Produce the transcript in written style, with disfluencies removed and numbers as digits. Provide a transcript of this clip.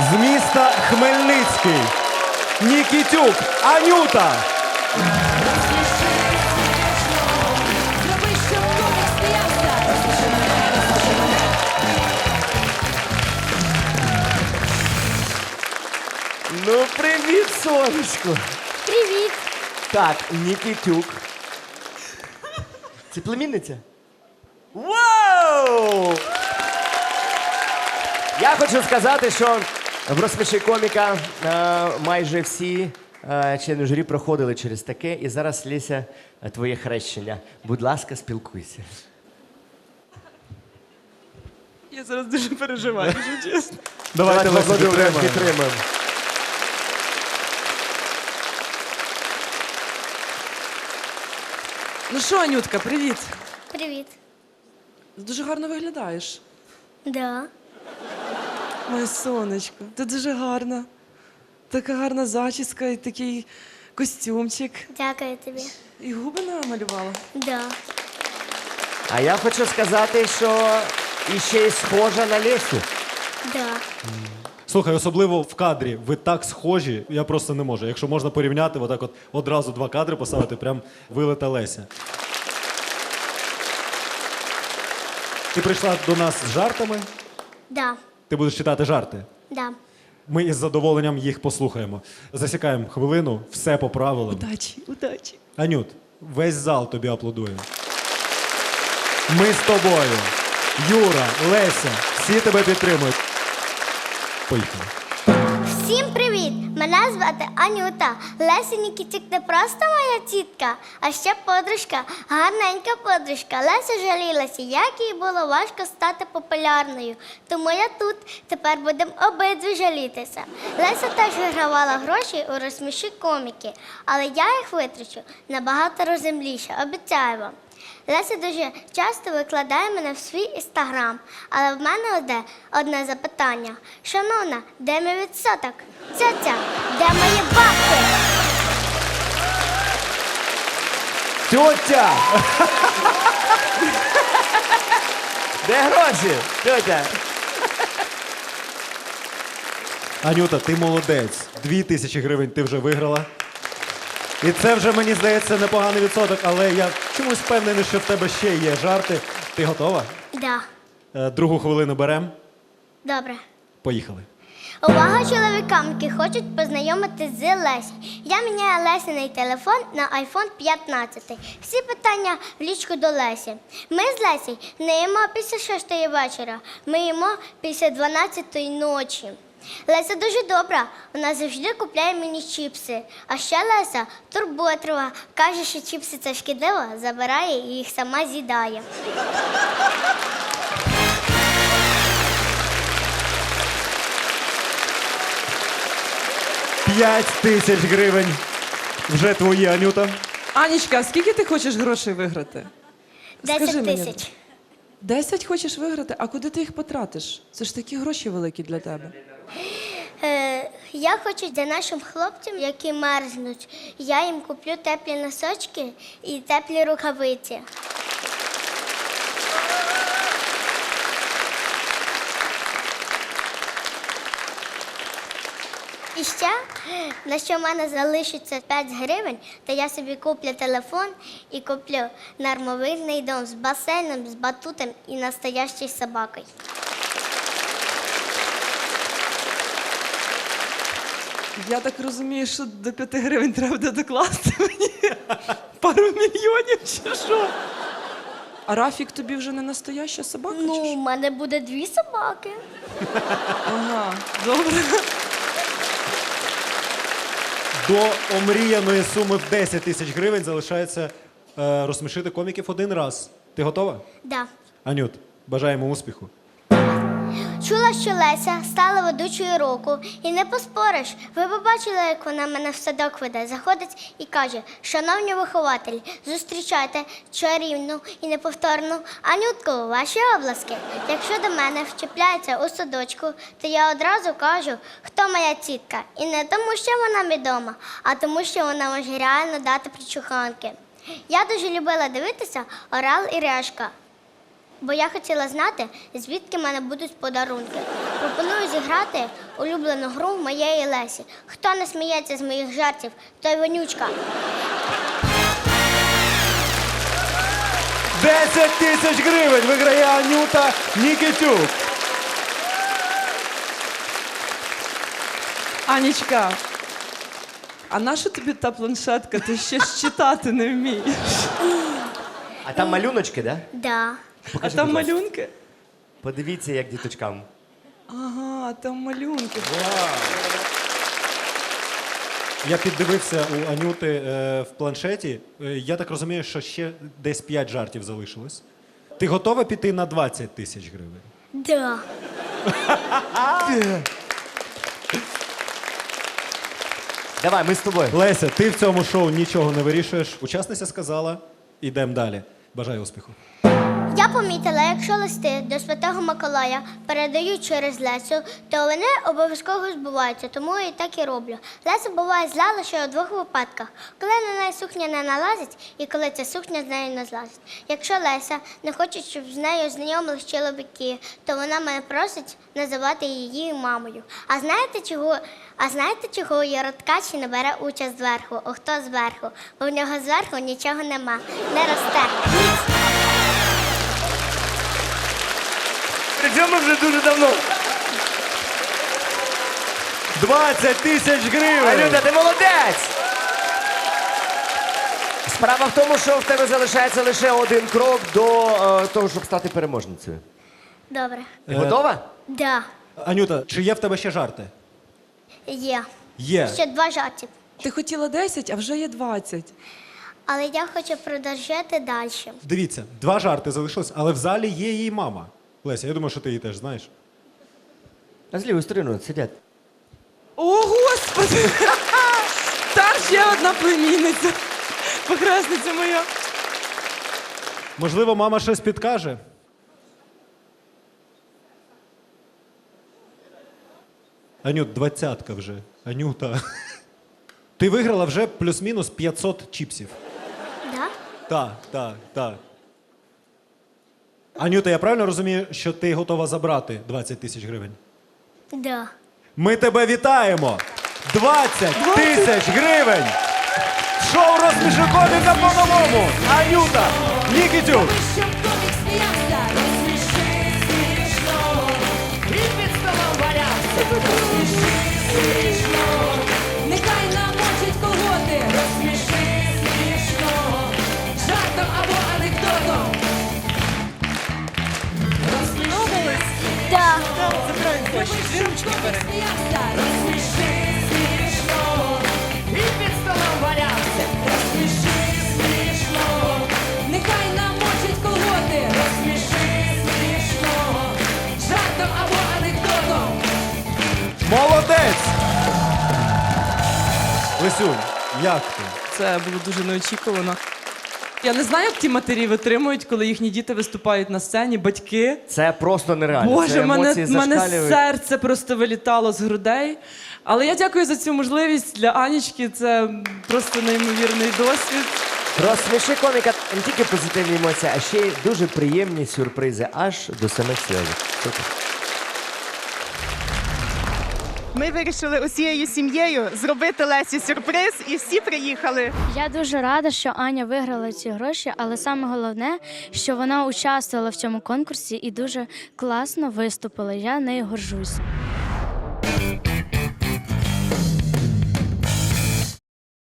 З міста Хмельницький. Нікітюк Анюта. Зроби, щоб комік сміявся. Розсміши мене, розсміши мене. Ну, привіт, сонечко. Привіт. Так, Нікітюк. Це племінниця? Вау! Я хочу сказати, що в «Розсміши коміка» майже всі члени журі проходили через таке. І зараз, Леся, твоє хрещення. Будь ласка, спілкуйся. Я зараз дуже переживаю, якщо чесно. Давайте підтримаємо. Ну що, Анютка, привіт. Привіт. Дуже гарно виглядаєш. Да. Моє сонечко, ти дуже гарна. Така гарна зачіска і такий костюмчик. Дякую тобі. І губи намалювала. Да. А я хочу сказати, що іще й схожа на Лесю. Да. Слухай, особливо в кадрі. Ви так схожі, я просто не можу. Якщо можна порівняти, отак от одразу два кадри поставити, прям вилита Леся. Ти прийшла до нас з жартами. Да. Ти будеш читати жарти. Да. Ми із задоволенням їх послухаємо. Засікаємо хвилину, все по правилам. Удачі, удачі. Анют, весь зал тобі аплодує. Ми з тобою. Юра, Леся, всі тебе підтримують. Поїхали. Всім привіт! Мене звати Анюта. Леся Нікітюк не просто моя тітка, а ще подружка, гарненька подружка. Леся жалілася, як їй було важко стати популярною. Тому я тут. Тепер будемо обидві жалітися. Леся теж вигравала гроші у «Розсміши коміки», але я їх витрачу набагато розумніше, обіцяю вам. Леся дуже часто викладає мене в свій інстаграм, але в мене одне запитання. Шановна, де мій відсоток? Ця, де мої бабки? Тьотя! Де гроші? Тьотя! Анюта, ти молодець. 2000 гривень ти вже виграла. І це вже, мені здається, непоганий відсоток, але я чомусь впевнений, що в тебе ще є жарти. Ти готова? Да, Другу хвилину беремо. добре. Поїхали. Увага чоловікам, які хочуть познайомитись з Лесією. Я міняю Лесіний телефон на iPhone 15. Всі питання в лічку до Лесі. Ми з Лесією не їмо після 6 вечора, ми їмо після 12 ночі. Леся дуже добра, вона завжди купляє мені чіпси. А ще Леся турботлива, каже, що чіпси це шкідливо, забирає і їх сама з'їдає. П'ять тисяч гривень. Вже твої, Анюта. Анічка, а скільки ти хочеш грошей виграти? 10 Скажи мені. тисяч. 10 хочеш виграти? А куди ти їх потратиш? Це ж такі гроші великі для тебе. Я хочу для нашим хлопцям, які мерзнуть, я їм куплю теплі носочки і теплі рукавиці. І ще, на що в мене залишиться 5 гривень, то я собі куплю телефон і куплю нормовильний дом з басейном, з батутом і настоящою собакою. Я так розумію, що до 5 гривень треба буде докласти мені пару мільйонів чи що? А Рафік тобі вже не настояща собака? Ну, чи у що? мене буде 2 собаки. Ага, добре. До омріяної суми в 10 тисяч гривень залишається розсмішити коміків один раз. Ти готова? Да. Анют, бажаємо успіху. Чула, що Леся стала ведучою року, і не поспориш. Ви побачили, як вона мене в садок веде, заходить і каже: шановні вихователі, зустрічайте чарівну і неповторну Анютку, ваші обласки. Якщо до мене вчіпляється у садочку, то я одразу кажу, хто моя тітка. І не тому, що вона відома, а тому, що вона може реально дати причуханки. Я дуже любила дивитися «Орел і решка». Бо я хотіла знати, звідки в мене будуть подарунки. Про Пропоную зіграти улюблену гру моєї Лесі. Хто не сміється з моїх жартів, той вонючка. 10 тисяч гривень виграє Анюта Нікітюк. Анічка, а нащо тобі та планшетка? Ти ще ж читати не вмієш. А там малюночки, да? Да. А там малюнки? Подивіться, як діточкам. Ага, там малюнки. Я піддивився у Анюти в планшеті. Я так розумію, що ще десь 5 жартів залишилось. Ти готова піти на 20 тисяч гривень? Да. Давай, ми з тобою. Леся, ти в цьому шоу нічого не вирішуєш. Учасниця сказала, ідемо далі. Бажаю успіху. Я помітила, якщо листи до Святого Миколая передають через Лесю, то вони обов'язково збуваються, тому я і так і роблю. Леся буває зла лише у двох випадках: коли на неї сукня не налазить і коли ця сукня з нею не злазить. Якщо Леся не хоче, щоб з нею знайомились чоловіки, то вона мене просить називати її мамою. А знаєте, чого Яроткачі не бере участь зверху? О, хто зверху? Бо в нього зверху нічого нема, не росте. Причому вже дуже давно. 20 тисяч гривень! Анюта, ти молодець! Справа в тому, що в тебе залишається лише один крок до того, щоб стати переможницею. Добре. Ти готова? Да, Анюта, чи є в тебе ще жарти? є. Є. Ще 2 жарти. Ти хотіла 10, а вже є 20. Але я хочу продовжити далі. Дивіться, 2 жарти залишилось, але в залі є її мама. Леся, я думаю, що ти її теж знаєш. А з лівою стороною сидять. О, Господи! Там ще одна племінниця. Похресниця моя. Можливо, мама щось підкаже? Анют, 20-ка вже. Анюта. Ти виграла вже плюс-мінус 500 чіпсів. Да? Так. Анюта, я правильно розумію, що ти готова забрати 20 тисяч гривень? Да. Ми тебе вітаємо! 20 тисяч гривень! Шоу «Розсміши коміка» по-новому! Анюта Нікітюк! Щоб комік сміявся, розсміши смішно. І під столом валявся. Розсміши смішно. Нехай намочить колготи. Розсміши смішно. Жартом або анекдотом. Розсміши. Да. Щоб комік сміявся, розсміши смішно. І під столом валявся. Розсміши смішно. Нехай намочить колготи. Розсміши смішно. Жартом або анекдотом. Молодець! Лесюнь, як ти? Це було дуже неочікувано. Я не знаю, як ті матері витримують, коли їхні діти виступають на сцені, батьки. Це просто нереально. Боже, Це емоції мене зашкалюють. серце просто вилітало з грудей. Але я дякую за цю можливість для Анічки. Це просто неймовірний досвід. Розсміши коміка не тільки позитивні емоції, а ще й дуже приємні сюрпризи аж до самих сльозів. Супер. Ми вирішили усією сім'єю зробити Лесі сюрприз, і всі приїхали. Я дуже рада, що Аня виграла ці гроші, але саме головне, що вона участвувала в цьому конкурсі і дуже класно виступила. Я нею горжусь.